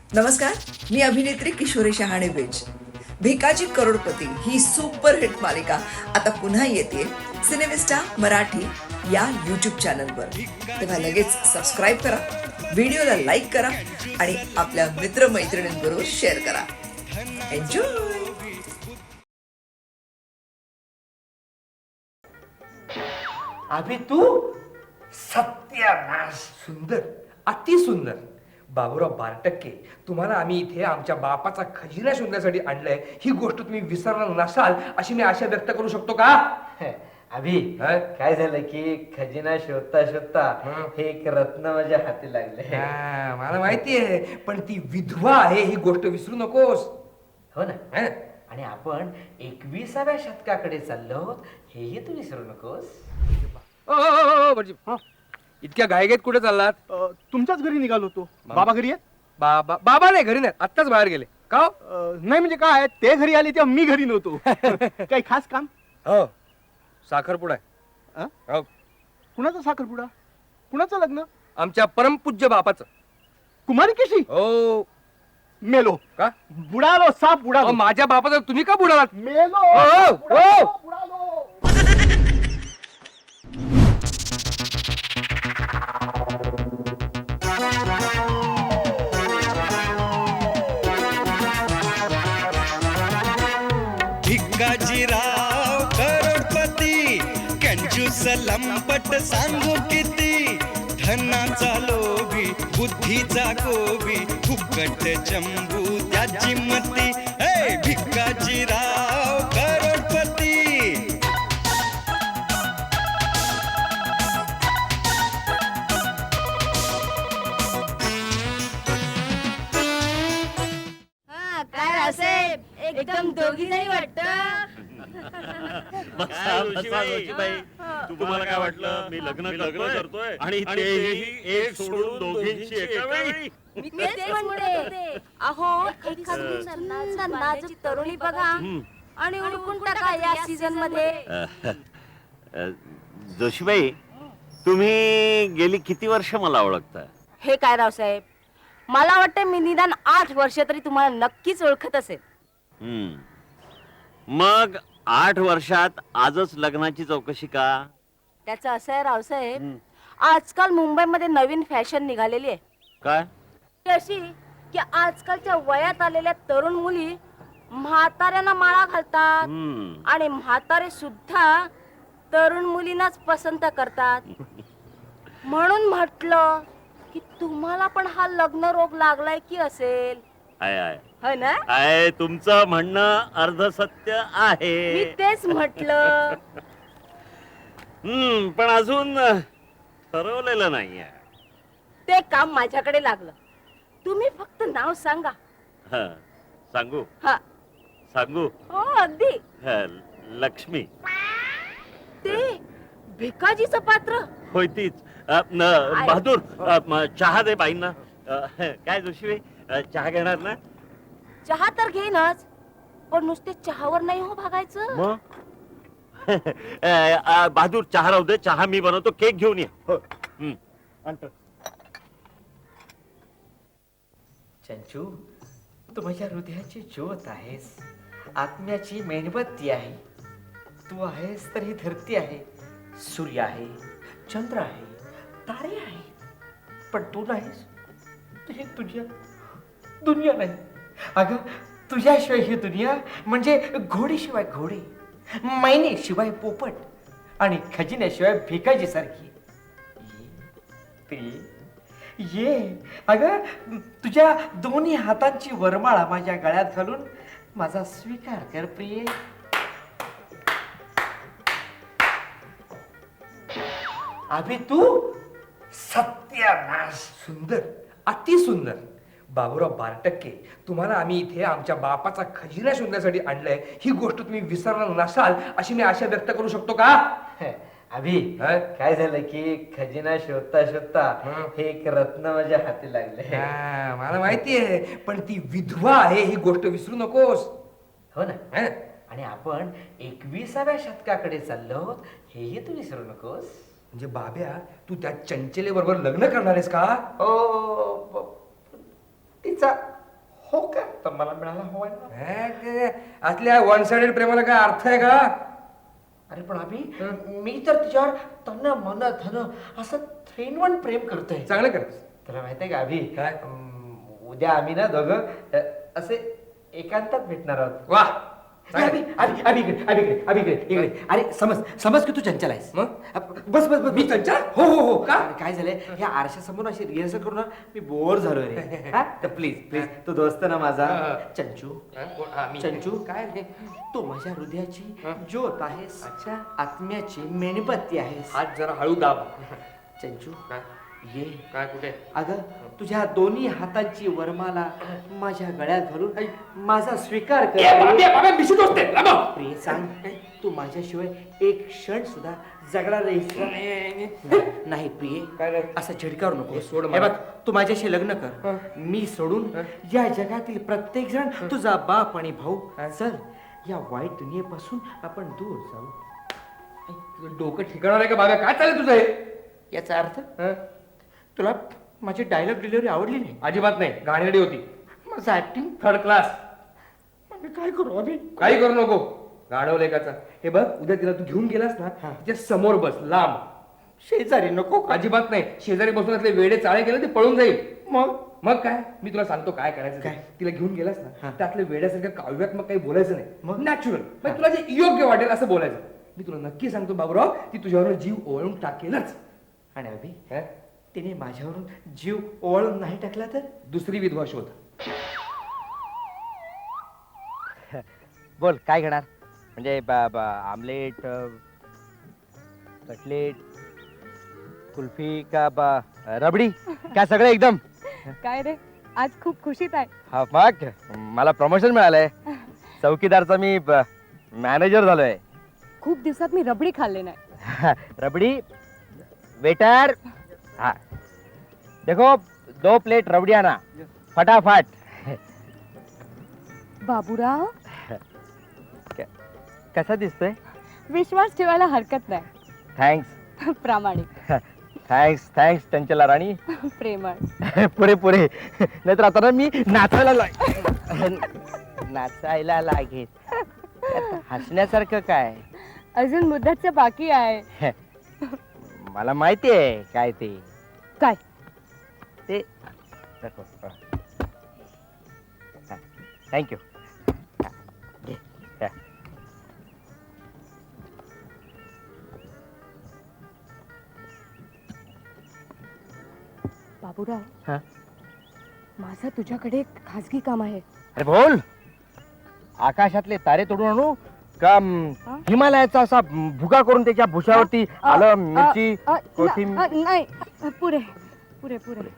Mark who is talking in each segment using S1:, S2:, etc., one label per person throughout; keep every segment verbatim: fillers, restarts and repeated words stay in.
S1: नमस्कार, मी अभिनेत्री किशोरी शहाणे बेज. भिकाजी करोडपती ही सुपरहिट मालिका आता पुन्हा येते सिनेमिस्टा मराठी या यूट्यूब चॅनलवर. तेव्हा लगेच सबस्क्राईब करा, व्हिडिओला लाईक करा आणि आपल्या मित्रमैत्रिणींबरोबर शेअर करा. एन्जॉय.
S2: अभि तू सत्यानाश.
S3: सुंदर, अति सुंदर. बाबूराव बारटक्के, तुम्हाला आम्ही इथे आमच्या बापाचा खजिना शोधण्यासाठी आणलंय, ही गोष्ट तुम्ही विसरणार नसाल अशी मी आशा व्यक्त करू शकतो का?
S2: अभि
S3: हं?
S2: काय झालं की खजिना शोधता शोधता
S3: हं.
S2: हे एक रत्न माझ्या हाती लागले.
S3: हा, मला माहिती आहे, पण ती विधवा आहे ही गोष्ट विसरू नकोस.
S2: हो ना.
S3: हं?
S2: आणि आपण एकविसाव्या शतकाकडे चाललो आहोत हेही तू विसरू नकोस.
S3: ओ, ओ, ओ, ओ, भटजी. इतक्या घाईघाईत कुठे चाललात?
S4: अ, तुमच्याच घरी निघालो होतो.
S3: मग?
S4: बाबा घरी आहेत?
S3: बाबा बाबा नाही, घरी नाही, आत्ताच बाहेर गेले. का हो?
S4: अ, नाही म्हणजे काय, ते घरी आले तेव्हा मी घरी नव्हतो. काही खास काम?
S3: हो, साखरपुडा आहे.
S4: अ?
S3: हो,
S4: कुणाचा साखरपुडा? कुणाचं लग्न?
S3: आमच्या परमपूज्य बापाचं.
S4: कुमारी कशी?
S3: हो.
S4: मेलो.
S3: का?
S4: बुडालो, साप
S3: अहो,
S4: बुडालो.
S3: माझ्या बापाचं तुम्ही का बुडालात?
S4: मेलो.
S3: ओ, ओ,
S4: बुडालो,
S3: ओ.
S4: बुडालो.
S5: भिकाजीराव करोडपती, कंजूस लंपट सांगू किती, धनाचा लोभी बुद्धीचा गोबी, फुकट चंबू त्याची मती. हे भिकाजीराव करोडपती.
S6: हा, काय रावसाहेब, एकदम दोघी जणी वाटत.
S7: बसा, बसा, जोशीबाई. तुम्हाला काय वाटलं मी लग्न लग्न करतोय आणि तेही एक सोडून दोघींची एका वेळी?
S6: मी तेच म्हणते. अहो, एखादी नाजूक तरुणी बघा आणि उडकून टाका या सीझन मध्ये.
S7: जोशीबाई, तुम्ही गेली किती वर्ष मला ओळखता?
S6: हे काय रावसाहेब, मला वाटतं मी निदान आठ वर्ष तरी तुम्हाला नक्कीच ओळखत असेल.
S7: हम्म. मग आठ वर्षात आजच लग्नाची चौकशी का?
S6: त्याचं असं आहे रावसाहेब, आजकाल मुंबईमध्ये नवीन फॅशन निघालेली आहे.
S7: काय?
S6: ती अशी की आजकालच्या वयात आलेल्या तरुण मुली म्हाताऱ्यांना माळा घालतात
S7: हम्म.
S6: आणि म्हातारे सुद्धा तरुण मुलींनाच पसंत करतात. म्हणून म्हटलं की तुम्हाला पण हा लग्न रोग लागलाय की असेल.
S7: आहे आहे
S6: हो ना?
S7: आहे, तुमचं म्हणणं अर्धसत्य
S6: मी
S7: आहे.
S6: तेच म्हटलं.
S7: हम्म, पण अजून ठरवलेलं नाहीये.
S6: ते काम माझ्याकडे लागलं. तुम्ही फक्त नाव सांगा.
S7: हं, सांगू
S6: हा,
S7: सांगू
S6: हो अगदी.
S7: हं, लक्ष्मी.
S6: ते भिकाजीचं पात्र.
S7: होय तीच. अ, न, बहादूर, अ, म, चहा दे बाईंना. अ, काय जोशी, चहा घेणार ना?
S6: चहा तर घेईनच, पण नुसते चहावर नाही हो भागायचं.
S7: मग अ, अ, बहादूर, चहा राहू दे, चहा मी बनवतो, केक घेऊन ये. हं.
S2: चंचू, तू माझ्या हृदयाची ज्योत आहेस, आत्म्याची मेणबत्ती आहे. तू आहेस तर ही धरती आहे, सूर्य आहे, चंद्र आहे, तारे आहे. पण तू नाहीस, तुझी तुझ्या दुनिया नाही. अगं, तुझ्याशिवाय ही दुनिया म्हणजे घोडीशिवाय घोडे, मैनेशिवाय पोपट आणि खजिन्याशिवाय भिकाजी सारखी. ते ये अगं, तुझ्या दोन्ही हातांची वरमाळा माझ्या गळ्यात घालून माझा स्वीकार कर प्रिये. अभि तू सत्यानाश.
S3: सुंदर, अति सुंदर. बाबूराव बारटक्के, तुम्हाला आम्ही इथे आमच्या बापाचा खजिना शोधण्यासाठी आणलंय, ही गोष्ट तुम्ही विसरणार नसाल अशी मी आशा व्यक्त करू शकतो का?
S2: अभि
S3: हं?
S2: काय झालं की खजिना शोधता शोधता
S3: हं.
S2: हे एक रत्न माझ्या हाती लागले.
S3: हा, मला माहिती आहे, पण ती विधवा आहे ही गोष्ट विसरू नकोस.
S2: हो ना.
S3: हं?
S2: आणि आपण एकविसाव्या शतकाकडे चाललो आहोत हेही तू विसरू नकोस.
S3: म्हणजे बाब्या, तू त्या चंचले बरोबर लग्न करणार आहेस का?
S2: ओ ब- तिचा हो का? तर मला मिळाला हवाय ना.
S3: हे, ते असल्या वन साइडेड प्रेमाला काय अर्थ आहे का?
S2: अरे पण अभि मी तर तिच्यावर तन मन धन असं थ्री इन वन प्रेम करतोय.
S3: चांगलं कर.
S2: तुला माहित आहे का अभि,
S3: काय?
S2: अं, उद्या आम्ही ना दोघं अ, असे एकांतात भेटणार आहोत.
S3: वा
S2: अभि अभि अभि इकडे अभि इकडे अभि इकडे इकडे. अरे समज समज की तू चंचल आहेस.
S3: मग?
S2: बस बस बस
S3: मी चंचल?
S2: हो हो हो
S3: का?
S2: अरे काय झालंय, या आरशासमोर अशी रिहर्सल करून ना मी बोर झालो रे. हा? तर प्लीज प्लीज तू दोस्त ना माझा
S3: हा.
S2: चंचू.
S3: हा, कोण? हा, मी.
S2: चंचू
S3: काय रे?
S2: तू माझ्या हृदयाची
S3: हा.
S2: ज्योत आहेस.
S3: अच्छा.
S2: आत्म्याची मेणबत्ती आहेस.
S3: हात जरा हळू दाब.
S2: चंचू
S3: काय?
S2: ये.
S3: काय कुठे?
S2: अगं तुझ्या दोन्ही हातांची वरमाला माझ्या गळ्यात घालून माझा स्वीकार कर.
S3: ए, बाब्या, बाब्या, मिशी दोस्त आहे. लांब.
S2: प्रिय सांग, तू माझ्याशिवाय एक क्षण सुद्धा जगणार नाहीस. नाही प्रिय,
S3: काय रे?
S2: असं झिडकारू नको.
S3: हे सोड
S2: हे
S3: मला.
S2: बघ, तू माझ्याशी लग्न कर. मी सोडून या जगातील प्रत्येक जण तुझा बाप आणि भाऊ. चल या वाईट दुनियेपासून आपण दूर जाऊ.
S3: तुझं डोकं ठिकाणार आहे का बाब्या? काय चालेल तुझं हे?
S2: याचा अर्थ
S3: हं?
S2: तुला माझी डायलॉग डिलिव्हरी आवडली नाही?
S3: अजिबात नाही. घाणेरडी होती.
S2: माझं ऍक्टिंग
S3: थर्ड क्लास.
S2: मी काय करू अभि?
S3: काही करू नको. गाढव लेखाचा. हे बघ, उद्या तिला तू घेऊन गेलास ना,
S2: हा.
S3: तिच्या समोर बस, लांब.
S2: शेजारी नको का?
S3: अजिबात नाही. शेजारी बसून असले वेडे चाळे केले ते पळून जाईल.
S2: मग
S3: मग काय, मी तुला सांगतो काय करायचं ते.
S2: काय?
S3: तिला घेऊन गेलास ना,
S2: हा.
S3: त्यातले वेड्यासारखं काव्यात्मक काही बोलायचं नाही.
S2: मग?
S3: नॅचरल. मग तुला जे योग्य वाटेल असं बोलायचं. मी तुला नक्की सांगतो बाबूराव, ती तुझ्यावर जीव ओवाळून टाकेलच.
S2: आणि अभि,
S3: हं?
S2: तिने माझ्यावरून जीव ओवाळून नाही टाकला तर?
S3: दुसरी विधवा शोध.
S8: बोल काय घेणार म्हणजे ब- ब- आमलेट अ, कटलेट कुल्फी का ब- रबडी काय सगळं एकदम.
S9: काय रे आज खूप खुशीत आहे.
S8: हा मग मला प्रमोशन मिळालंय. चौकीदारचा मी मॅनेजर झालोय.
S9: खूप दिवसात मी रबडी खाल्ले नाही.
S8: रबडी वेटर. हाँ देखो दो प्लेट रबड़ी आना फटाफट.
S9: बाबूराव
S8: कसा दिसतोय?
S9: विश्वास ठेवायला हरकत नाही.
S8: थँक्स
S9: प्रामाणिक
S8: थँक्स थँक्स चंचला राणी.
S9: प्रेमळ
S8: पुरे पुरे नाहीतर आता ना मी नाचायला लाग नाचायला लागेल. यात हसण्यासारखं काय?
S9: अजून मुद्दाचं बाकी आहे.
S8: मला माहिती आहे काय ते.
S9: काय?
S8: ते थँक्यू.
S9: बाबूराव
S8: हा?
S9: माझं तुझ्याकडे एक खासगी काम आहे.
S8: अरे बोल. आकाशातले तारे तोडून आणू का म,
S9: हा?
S8: हिमालयाचा असा म, भुगा करून त्याच्या भुशावरती
S9: अ,
S8: आलं
S9: अ,
S8: मिरची
S9: अ,
S8: कोथिंबीर.
S9: न- अ, नाही अ, पुरे पुरे पुरे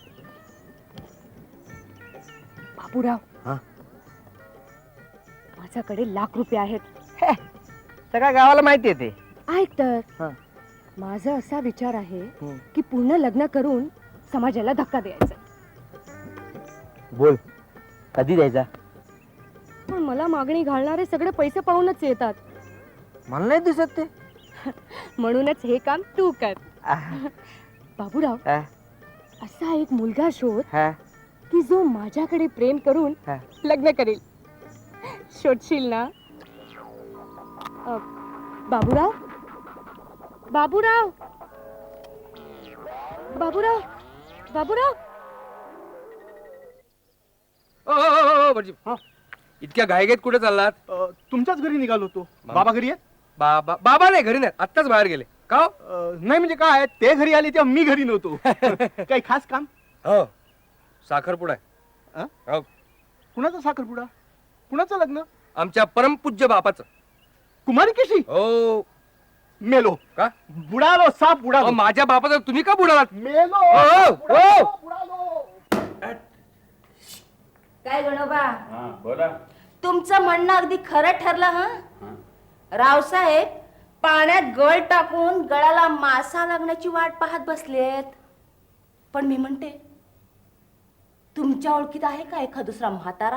S9: बाबूराव
S8: हा?
S9: माझ्याकडे लाख रुपये आहेत.
S8: सगळ्या गावाला माहिती आहे ते.
S9: ऐक तर
S8: हा.
S9: माझा असा विचार आहे
S8: हं.
S9: की पूर्ण लग्न करून समाजाला धक्का द्यायचा.
S8: बोल कधी द्यायचा?
S9: पण मला मागणी घालणारे सगळे पैसे पाहूनच येतात.
S8: मला नाही दिसत ते.
S9: म्हणूनच हे काम तू कर.
S8: आह,
S9: बाबूराव
S8: हा,
S9: असा एक मुलगा शोध
S8: हा,
S9: की जो माझ्याकडे प्रेम करून
S8: हा.
S9: लग्न करेल. शोधशील ना? अ, बाबूराव बाबूराव बाबूराव बाबूराव
S3: ओ, ओ, ओ, ओ, भटजी. इतक्या घाईघाईत कुठे चाललात?
S4: अ, तुमच्याच घरी निघालो होतो. बाबा घरी आहेत?
S3: बाबा बाबा नाही, घरी नाही, आत्ताच बाहेर गेले. का हो?
S4: अ, नाही म्हणजे काय, ते घरी आले तेव्हा मी घरी नव्हतो. काही खास काम?
S3: हो साखरपुडा आहे.
S4: अ?
S3: हो
S4: कुणाचा साखरपुडा? कुणाचं लग्न?
S3: आमच्या परमपूज्य बापाचं.
S4: कुमारी कशी?
S3: हो
S4: मेलो.
S3: का?
S4: बुडालो, साप
S3: अहो,
S4: बुडालो.
S3: माझ्या बापाचं तुम्ही का बुडालात?
S4: मेलो.
S3: ओ, ओ,
S4: बुडालो,
S3: ओ.
S4: बुडालो.
S6: काय गणोबा,
S7: हा बोला.
S6: तुमचं म्हणणं अगदी खरं ठरलं. हं रावसाहेब पाण्यात गळ टाकून गळाला मासा लागण्याची वाट पाहत बसलेत. पण मी म्हणते, तुमच्या ओळखीत आहे का एखाद दुसरा म्हातारा?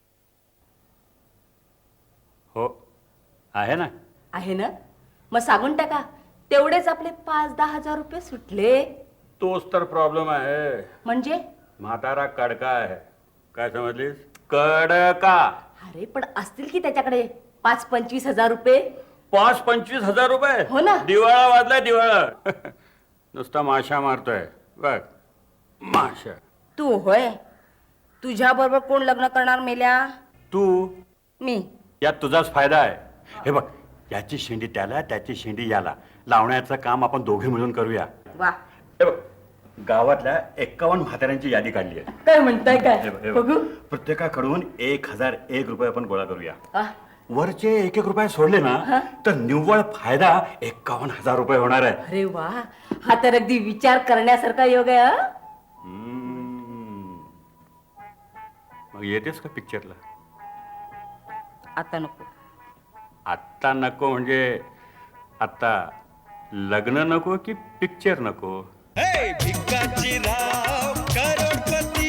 S7: हो आहे ना.
S6: आहे ना? मग सांगून टाका, तेवढेच आपले पाच दहा हजार रुपये सुटले.
S7: तोच तर प्रॉब्लेम आहे.
S6: म्हणजे
S7: म्हातारा कडका आहे. काय समजलीस? कडका.
S6: अरे पण असतील की त्याच्याकडे पाच पंचवीस हजार रुपये.
S7: पाच पंचवीस हजार रुपये?
S6: हो ना.
S7: दिवाळा वाजलाय दिवाळा. नुसता माशा मारतोय बघ, माशा.
S6: तू होय, तुझ्या बरोबर कोण लग्न करणार मेल्या?
S7: तू.
S6: मी.
S7: यात तुझाच फायदा आहे. हे बघ, याची शेंडी त्याला, त्याची शेंडी याला लावण्याचं काम आपण दोघे मिळून करूया.
S6: वा,
S7: हे बघ, गावातल्या एक्कावन्न म्हाताऱ्यांची यादी काढली आहे.
S6: काय म्हणताय
S7: हे
S6: काय?
S7: बघ, हे बघ.
S6: बघू.
S7: प्रत्येकाकडून एक हजार एक रुपये आपण गोळा करूया.
S6: आ,
S7: वरचे एक एक रुपये सोडले ना तर निव्वळ फायदा एक्कावन्न हजार रुपये होणार आहे.
S6: अरे वा, हा तर अगदी विचार करण्यासारखा योग आहे. हं?
S7: हम्म. मग येतेस का पिक्चरला?
S6: आता नको.
S7: आत्ता नको म्हणजे आता लग्न नको की पिक्चर नको?
S5: हे भिकाजी राव करोडपती